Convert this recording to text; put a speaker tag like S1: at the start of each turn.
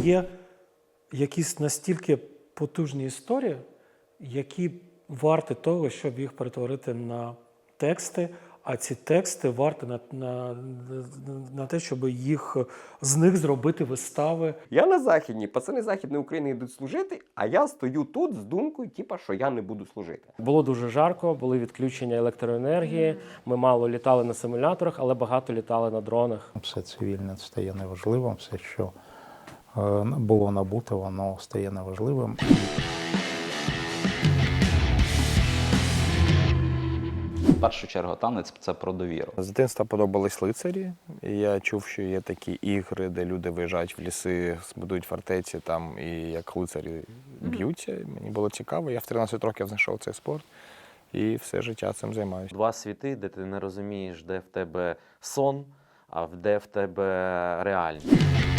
S1: є якісь настільки потужні історії, які варті того, щоб їх перетворити на тексти, а ці тексти варті на те, щоб з них зробити вистави.
S2: Я на Західній, пацани Західної України йдуть служити, а я стою тут з думкою, що я не буду служити.
S3: Було дуже жарко, були відключення електроенергії, ми мало літали на симуляторах, але багато літали на дронах.
S4: Все цивільне стає неважливим, все, що було набуто, воно стає неважливим.
S5: В першу чергу танець – це про довіру.
S6: З дитинства подобались лицарі. І я чув, що є такі ігри, де люди виїжджають в ліси, будують фортеці там і як лицарі б'ються. Мені було цікаво. Я в 13 років знайшов цей спорт і все життя цим займаюся.
S7: Два світи, де ти не розумієш, де в тебе сон, а де в тебе реальність.